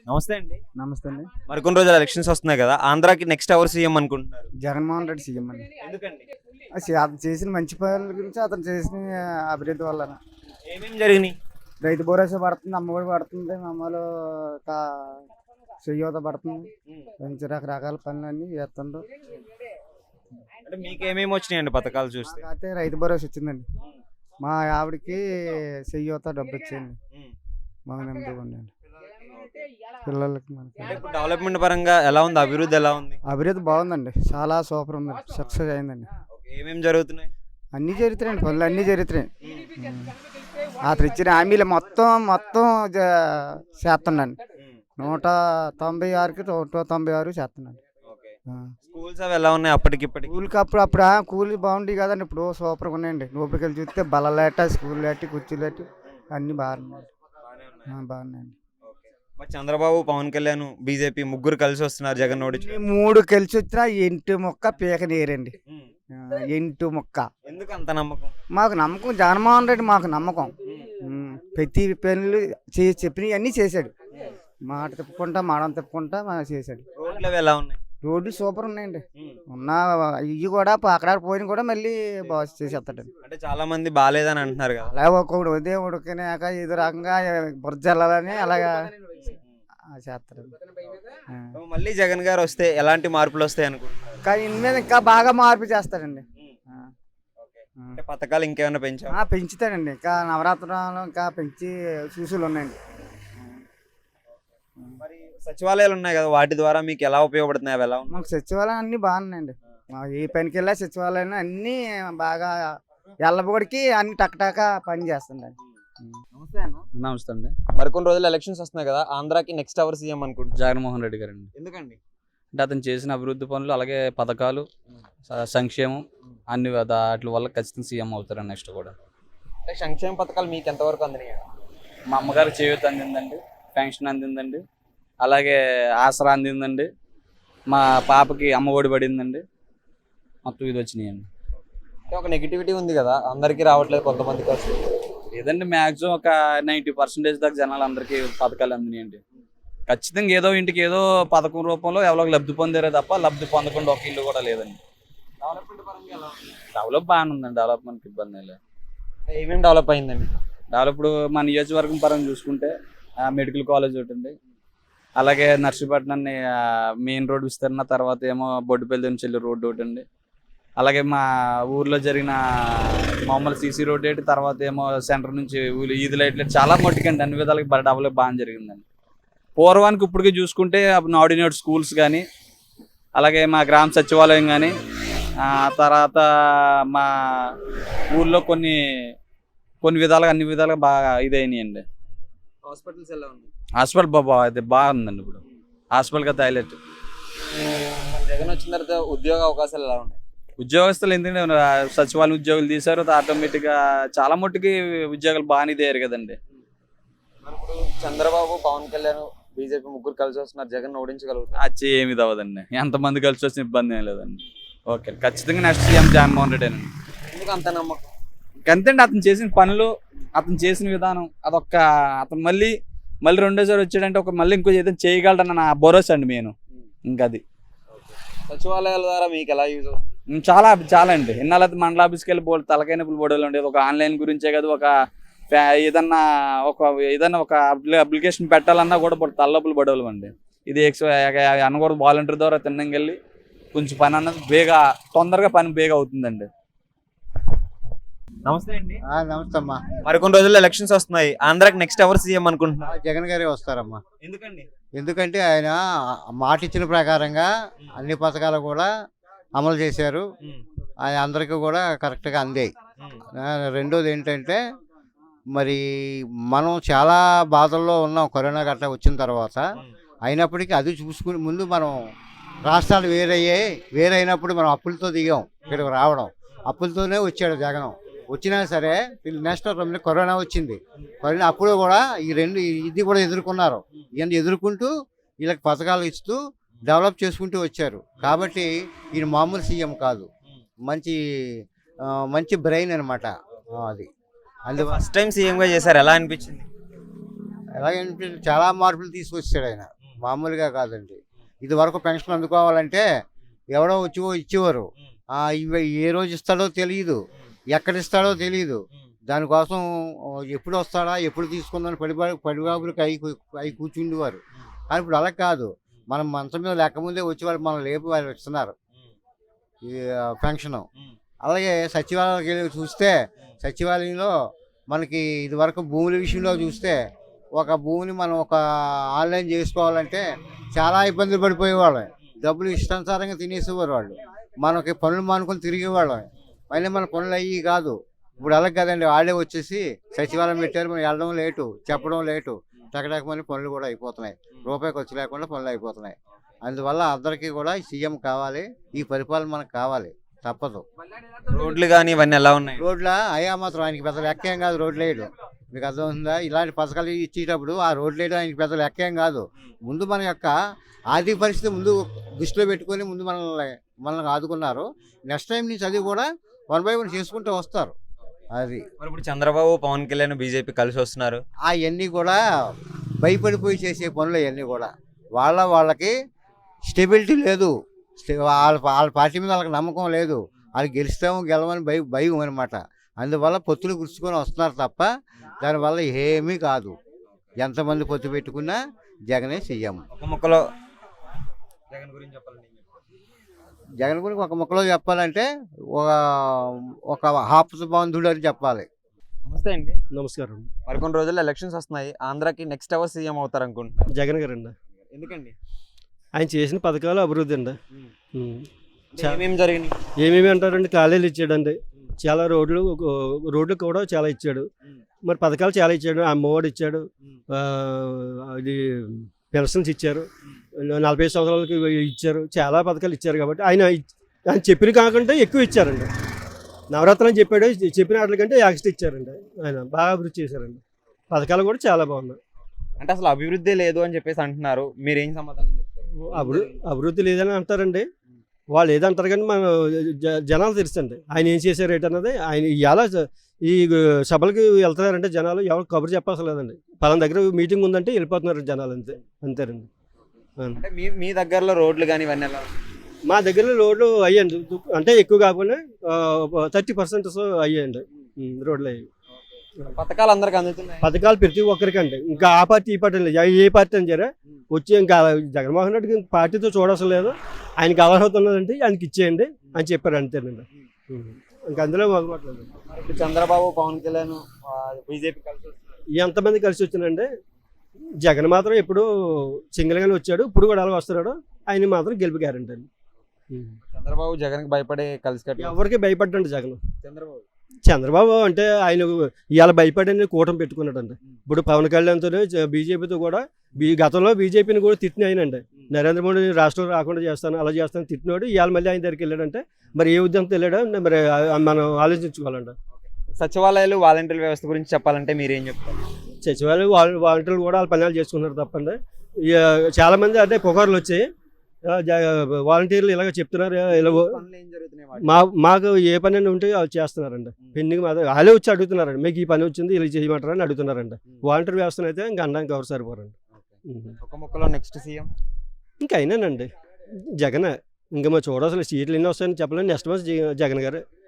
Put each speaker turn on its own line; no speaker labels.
నమస్తే అండి.
నమస్తే అండి.
మరికొన్ని రోజులు ఎలక్షన్స్ వస్తున్నాయి కదా, ఆంధ్రాకి నెక్స్ట్ ఎవరు సీఎం అనుకుంటున్నారు?
జగన్మోహన్ రెడ్డి సీఎం అండి.
ఎందుకండి?
అతను చేసిన మంచి పనుల గురించి, అతను చేసిన అభివృద్ధి వల్ల
ఏమేమి జరిగినాయి?
రైతు భరోసా పడుతుంది, అమ్మఒడి పడుతుంది, అమ్మలో చేయూత పడుతుంది, మంచి రకరకాల పనులన్నీ చేస్తుండ్రు.
అంటే మీకు ఏమేమి వచ్చినాయండి పథకాలు చూస్తే?
అయితే రైతు భరోసా వచ్చిందండి. మా ఆవిడకి చేయూత డబ్బు వచ్చింది. మా నెమ్మదిగా ఉండండి పిల్లలకి. మనకి
అంటే ఇప్పుడు డెవలప్మెంట్ పరంగా ఎలా ఉంది? అభివృద్ధి ఎలా ఉంది?
అభివృద్ధి బాగుందండి, చాలా సూపర్ ఉందండి, సక్సెస్ అయిందండి.
ఏమేమి జరుగుతున్నాయి?
అన్నీ జరుగుతున్నాయండి, పనులు అన్నీ జరుగుతున్నాయి. అతను ఇచ్చిన హామీలు మొత్తం చేస్తున్నాను. 196కి 196 చేస్తున్నాను.
స్కూల్స్ అవి ఎలా ఉన్నాయి అప్పటికిప్పటికి?
స్కూల్కి అప్పుడు కూలీ బాగుండి కదండి, ఇప్పుడు సూపర్గా ఉన్నాయండి. లోపలికి వెళ్ళి చూస్తే బల్లలేట, స్కూల్ లేటి, కుర్చీలు లేటి అన్నీ బాగున్నాయి. బాగున్నాయండి.
మరి చంద్రబాబు, పవన్ కళ్యాణ్, బీజేపీ ముగ్గురు కలిసి వస్తున్నారు జగన్ ఓడించి.
3 కలిసి వచ్చినా ఎంటు మొక్క పీక నేరండి. ఎంటు మొక్క.
ఎందుకు అంత నమ్మకం?
మాకు నమ్మకం జగన్మోహన్ రెడ్డి, మాకు నమ్మకం. ప్రతి పనులు చెప్పినవి అన్నీ చేశాడు. మాట తిప్పుకుంటా, మాడం తిప్పుకుంటా చేశాడు.
రోడ్లు అవి ఎలా ఉన్నాయి?
రోడ్లు సూపర్ ఉన్నాయండి. ఇవి కూడా అక్కడ పోయిన కూడా మళ్ళీ బాగా చేసేస్తాడు.
అంటే చాలా మంది బాగాలేదని అంటున్నారు కదా.
అలా ఒక్కొక్కడు ఉదయం ఉడికినాక ఇది రకంగా బుర్జ వెళ్ళాలని అలాగా చేస్తాడు.
మళ్ళీ జగన్ గారు వస్తే ఎలాంటి మార్పులు వస్తాయి అనుకుంటున్నారు?
కానీ ఇన్ని మీద ఇంకా బాగా మార్పు చేస్తాడండి.
అంటే పథకాలు ఇంకేమైనా
పెంచుతాడండి. ఇంకా నవరాత్రులు ఇంకా పెంచి చూసులు ఉన్నాయండి.
మరి సచివాలయాలు ఉన్నాయి కదా, వాటి ద్వారా మీకు ఎలా ఉపయోగపడుతున్నాయి? అవి ఎలా ఉన్నాయి?
మాకు సచివాలయం అన్నీ బాగున్నాయండి. ఏ పనికి వెళ్ళా సచివాలయం అన్నీ బాగా ఎల్లబడికి అన్ని టక్టాక పని చేస్తుండండి.
నమస్తే అండి.
మరికొన్ని రోజులు ఎలక్షన్స్ వస్తున్నాయి కదా, ఆంధ్రాకి నెక్స్ట్ ఎవరు సీఎం అనుకుంటున్నారు?
జగన్మోహన్ రెడ్డి గారండి.
ఎందుకండి?
అంటే అతను చేసిన అభివృద్ధి పనులు, అలాగే పథకాలు, సంక్షేమం అన్ని వాటి వల్ల ఖచ్చితంగా సీఎం అవుతారండి నెక్స్ట్ కూడా.
అంటే సంక్షేమ పథకాలు మీకు ఎంతవరకు అందినాయి?
మా అమ్మగారు చేయూత అందిందండి, పెన్షన్ అందిందండి, అలాగే ఆసరా అందిందండి, మా పాపకి అమ్మఒడి పడిందండి, మొత్తం ఇది వచ్చినాయండి.
అంటే ఒక నెగిటివిటీ ఉంది కదా, అందరికీ రావట్లేదు, కొంతమందికి వస్తుంది.
లేదండి, మ్యాక్సిమం ఒక 90% దాకా జనాలు అందరికీ పథకాలు అందినాయండి. ఖచ్చితంగా ఏదో ఇంటికి ఏదో పథకం రూపంలో ఎవరో లబ్ధి పొందారే తప్ప లబ్ధి పొందకుండా ఒక ఇల్లు కూడా లేదండి. డెవలప్ బాగానే ఉందండి, డెవలప్మెంట్కి ఇబ్బంది లేదు.
ఏమేమి డెవలప్ అయిందండి?
డెవలప్ ఇప్పుడు మా నియోజకవర్గం పరంగా చూసుకుంటే మెడికల్ కాలేజ్ ఒకటి అండి, అలాగే నర్సీపట్నాన్ని మెయిన్ రోడ్ విస్తరణ, తర్వాత ఏమో బొడ్డుపల్లి నుంచి వెళ్ళి రోడ్డు ఒకటి అండి, అలాగే మా ఊర్లో జరిగిన మామూలు సీసీ రోడ్ ఏంటి, తర్వాత ఏమో సెంటర్ నుంచి ఈది లైట్లు, చాలా మట్టుకండి అన్ని విధాలకి డెవలప్ బాగా జరిగిందండి. పూర్వానికి ఇప్పటికీ చూసుకుంటే నాడినేట్ స్కూల్స్ కానీ, అలాగే మా గ్రామ సచివాలయం కానీ, తర్వాత మా ఊర్లో కొన్ని విధాలుగా అన్ని విధాలుగా బాగా ఇదైనాయండి.
హాస్పిటల్స్ ఎలా ఉన్నాయి?
హాస్పిటల్ అది బాగుందండి. ఇప్పుడు హాస్పిటల్గా హైలైట్.
జగన్ వచ్చిన తర్వాత ఉద్యోగ అవకాశాలు ఎలా ఉన్నాయి?
ఉద్యోగస్తులు ఎందుకంటే సచివాలయం ఉద్యోగులు తీశారు, ఆటోమేటిక్గా చాలా మట్టుకి ఉద్యోగాలు బాగానే ఇదయ్యారు కదండి.
ఇప్పుడు చంద్రబాబు, పవన్ కళ్యాణ్, బీజేపీ ముగ్గురు కలిసి వస్తున్నారు, జగన్ ఓడించగలుగుతారు?
అది ఏమి అవ్వదండి, ఎంతమంది కలిసి వచ్చిన ఇబ్బంది ఏం లేదండి. ఓకే, ఖచ్చితంగా నెక్స్ట్ సీఎం జగన్మోహన్ రెడ్డి అండి.
ఎందుకు అంత నమ్మకం?
అంతేండి, అతను చేసిన పనులు, అతను చేసిన విధానం, అదొక్క అతను మళ్ళీ రెండోసారి వచ్చాడంటే మళ్ళీ ఇంకో ఏదైనా చేయగలడన్న నా భరోసా అండి మెయిన్. ఇంకా అది
సచివాలయాల ద్వారా మీకు ఎలా యూజ్ అవుతుంది?
చాలా అండి. ఇన్నాళ్ళ మండల ఆఫీస్కి వెళ్ళి తలకైన బోర్డులు ఉండేది, ఒక ఆన్లైన్ గురించే కదా, ఏదన్నా ఒక అప్లికేషన్ పెట్టాలన్నా కూడా తల్లపులు పడవలు అండి. ఇది అనకూడదు, వాలంటీర్ ద్వారా తిన్నంగా వెళ్ళి కొంచెం పని అన్నది తొందరగా పని బేగా అవుతుందండి.
నమస్తే అండి.
నమస్తే అమ్మా.
మరికొన్ని రోజుల్లో ఎలక్షన్స్ వస్తున్నాయి, ఆంధ్రాకి నెక్స్ట్ ఎవరు సీఎం అనుకుంటున్నారు?
జగన్ గారే వస్తారమ్మా.
ఎందుకండి?
ఎందుకంటే ఆయన మాట ఇచ్చిన ప్రకారంగా అన్ని పథకాలు కూడా అమలు చేశారు, ఆయన అందరికీ కూడా కరెక్ట్గా అందాయి. రెండోది ఏంటంటే, మరి మనం చాలా బాధల్లో ఉన్నాం కరోనా గట్రా వచ్చిన తర్వాత. అయినప్పటికీ అది చూసుకుని ముందు మనం రాష్ట్రాలు వేరైనప్పుడు మనం అప్పులతో దిగాం, ఇక్కడికి రావడం అప్పులతోనే వచ్చాడు జగన్. వచ్చినా సరే నెక్స్ట్ కరోనా వచ్చింది. కరోనా అప్పుడు కూడా ఇది కూడా ఎదుర్కొన్నారు. ఇవన్నీ ఎదుర్కొంటూ వీళ్ళకి పథకాలు ఇస్తూ డెవలప్ చేసుకుంటూ వచ్చారు. కాబట్టి ఈయన మామూలు సీఎం కాదు, మంచి బ్రెయిన్ అనమాట. అది
ఫస్ట్ టైం సీఎంగా చేశారు, ఎలా అనిపించింది?
ఎలాగంటే చాలా మార్పులు తీసుకొచ్చాడు ఆయన, మామూలుగా కాదండి. ఇది వరకు పెన్షన్ అందుకోవాలంటే ఎవడో వచ్చి ఇచ్చేవారు, ఇవి ఏ రోజు ఇస్తాడో తెలియదు, ఎక్కడ ఇస్తాడో తెలియదు. దానికోసం ఎప్పుడు వస్తాడా ఎప్పుడు తీసుకుందని పడిబాబులకి అవి కూర్చుండేవారు. కానీ ఇప్పుడు అలా కాదు, మనం మంచం మీద లేకముందే వచ్చి వాళ్ళు మనం లేపి వాళ్ళు ఇస్తున్నారు ఈ పెన్షన్. అలాగే సచివాలయానికి వెళ్ళి చూస్తే సచివాలయంలో మనకి ఇది వరకు భూముల విషయంలో చూస్తే ఒక భూమిని మనం ఒక ఆన్లైన్ చేసుకోవాలంటే చాలా ఇబ్బందులు పడిపోయేవాళ్ళం. డబ్బులు ఇష్టానుసారంగా తినేసేవారు వాళ్ళు, మనకి పనులు మానుకొని తిరిగేవాళ్ళం. మళ్ళీ మన పనులు అయ్యి కాదు. ఇప్పుడు అలాగే కదండి, వాళ్ళే వచ్చేసి సచివాలయం పెట్టారు, మనం వెళ్ళడం లేటు, చెప్పడం లేటు, టకటకమని పనులు కూడా అయిపోతున్నాయి. రూపాయి ఖర్చు లేకుండా పనులు అయిపోతున్నాయి. అందువల్ల అందరికీ కూడా సీఎం కావాలి, ఈ పరిపాలన మనకు కావాలి, తప్పదు.
రోడ్లు కానీ ఇవన్నీ ఎలా ఉన్నాయి?
రోడ్ల అయ్యా మాత్రం ఆయనకి పెద్ద లెక్కేం కాదు రోడ్లు వేయడం. మీకు అర్థమవుతుందా? ఇలాంటి పథకాలు ఇచ్చేటప్పుడు ఆ రోడ్లు వేయడం ఆయనకి పెద్ద లెక్కేం కాదు. ముందు మన యొక్క ఆర్థిక పరిస్థితి ముందు దృష్టిలో పెట్టుకొని ముందు మనల్ని ఆదుకున్నారు. నెక్స్ట్ టైం నుంచి అది కూడా 1 by 1 చేసుకుంటూ వస్తారు. అది
మరి ఇప్పుడు చంద్రబాబు పవన్ కళ్యాణ్ బీజేపీ కలిసి వస్తున్నారు,
అవన్నీ కూడా భయపడిపోయి చేసే పనులు అవన్నీ కూడా వాళ్ళకి స్టెబిలిటీ లేదు, వాళ్ళ పార్టీ మీద వాళ్ళకి నమ్మకం లేదు, వాళ్ళు గెలుస్తాము గెలవని భయం అనమాట. అందువల్ల పొత్తులు గుర్చుకొని వస్తున్నారు తప్ప దానివల్ల ఏమీ కాదు. ఎంతమంది పొత్తు పెట్టుకున్నా జగనే సీఎం.
ఒక ముక్కలో జగన్ గురించి చెప్పాలండి.
జగన్ గురించి ఒక ముక్కలో చెప్పాలంటే ఒక హాప్స్ బంధుడు అని చెప్పాలి.
నమస్తే అండి.
నమస్కారం.
మరికొన్ని రోజుల్లో ఎలక్షన్స్ వస్తున్నాయి, ఆంధ్రాకి నెక్స్ట్ ఎవరు సీఎం అవుతారు అనుకుంటున్నారు?
జగన్ గారు అండి.
ఎందుకండి?
ఆయన చేసిన పథకాలు అభివృద్ధి అండి.
ఏమేమి జరిగినాయి?
ఏమేమి అంటారండి, కాలేజీలు ఇచ్చాడండి, చాలా రోడ్లు కూడా చాలా ఇచ్చాడు. మరి పథకాలు చాలా ఇచ్చాడు, అమ్మఒడి ఇచ్చాడు, ఇది పెన్షన్స్ ఇచ్చారు, 40 సంవత్సరాలకి ఇచ్చారు, చాలా పథకాలు ఇచ్చారు. కాబట్టి ఆయన చెప్పిన కాకుండా ఎక్కువ ఇచ్చారండి. నవరత్నం చెప్పాడు, చెప్పిన వాటికంటే యాక్స్ట్ ఇచ్చారండి. ఆయన బాగా అభివృద్ధి చేశారండి. పథకాలు కూడా చాలా బాగున్నాయి.
అంటే అసలు అభివృద్ధి లేదు అని చెప్పేసి అంటున్నారు, మీరు ఏం సమాధానం చెప్తారు?
అభివృద్ధి లేదని అంటారండి వాళ్ళు, ఏదంటారు కానీ మన జనాలు తెలుసండి ఆయన ఏం చేశారు ఏంటన్నది. ఆయన ఇలా ఈ సభలకి వెళ్తున్నారంటే జనాలు ఎవరు కబురు చెప్పాల్సిన లేదండి. పలానా దగ్గర మీటింగ్ ఉందంటే వెళ్ళిపోతున్నారు జనాలు, అంతేనండి.
అంటే మీ దగ్గరలో రోడ్లు కానీ ఇవన్నీ ఎలా?
మా దగ్గర రోడ్లు అయ్యండి, అంటే ఎక్కువ కాకుండా 30% అయ్యాయండి రోడ్లు అయ్యాయి.
పథకాలు అందరికి అందుతున్నాయి?
పథకాలు ప్రతి ఒక్కరికండి, ఇంకా ఆ పార్టీ ఈ పార్టీ లేదు, ఏ పార్టీ అని సరే వచ్చి ఇంకా జగన్మోహన్ రెడ్డికి పార్టీతో చూడవలసిన లేదు, ఆయనకి అర్హత ఉన్నదంటే ఆయనకి ఇచ్చేయండి అని చెప్పారు, అంతేనండి. ఇంకా అందులో మొదలుపడలేదు.
ఇప్పుడు చంద్రబాబు పవన్ కళ్యాణ్ బీజేపీ కలిసి వస్తున్నారు,
ఎంతమంది కలిసి వచ్చినండి. జగన్ మాత్రం ఎప్పుడు సింగిల్గానే వచ్చాడు, ఇప్పుడు కూడా అలా వస్తున్నాడు. ఆయన మాత్రం గెలుపు గ్యారెంటీ అండి.
చంద్రబాబు జగన్కి భయపడే కలిసి కట్టి
ఎవరికి భయపడ్డండి జగన్.
చంద్రబాబు
అంటే ఆయన ఇవాళ భయపడని కూటమి పెట్టుకున్నాడండి. ఇప్పుడు పవన్ కళ్యాణ్తో బీజేపీతో కూడా గతంలో బీజేపీని కూడా తిట్టిన ఆయనండి. నరేంద్ర మోడీ రాష్ట్రం రాకుండా చేస్తాను అలా చేస్తాను తిట్టినాడు. ఇవాళ మళ్ళీ ఆయన దగ్గరికి వెళ్ళాడంటే మరి ఏ ఉద్యమంతో వెళ్ళాడో మరి మనం ఆలోచించుకోవాలండి.
సచివాలయాలు వాలంటీర్ వ్యవస్థ గురించి చెప్పాలంటే మీరేం చెప్తారు?
సచివాలయం వాలంటీర్లు కూడా వాళ్ళ పనులు చేసుకున్నారు తప్పండి. చాలామంది అంటే పుకార్లు వచ్చాయి, వాలంటీర్లు ఇలాగ చెప్తున్నారు, మాకు ఏ పని అని ఉంటే వాళ్ళు చేస్తున్నారండి. పెండింగ్ మాత్రం వాళ్ళే వచ్చి అడుగుతున్నారండి, మీకు ఈ పని వచ్చింది ఇలా చేయమంటారు అని అడుగుతున్నారండి. వాలంటీర్ వ్యవస్థను అయితే ఇంకా అనడానికి ఎవరు సరిపోరండి.
ఒక ముక్కలో నెక్స్ట్ సీఎం
ఇంకా అయినానండి జగన్. ఇంకా మరి చూడాల్సిన సీట్లు ఎన్ని వస్తాయని చెప్పలేని, నెక్స్ట్ మంత్ జగన్ గారు.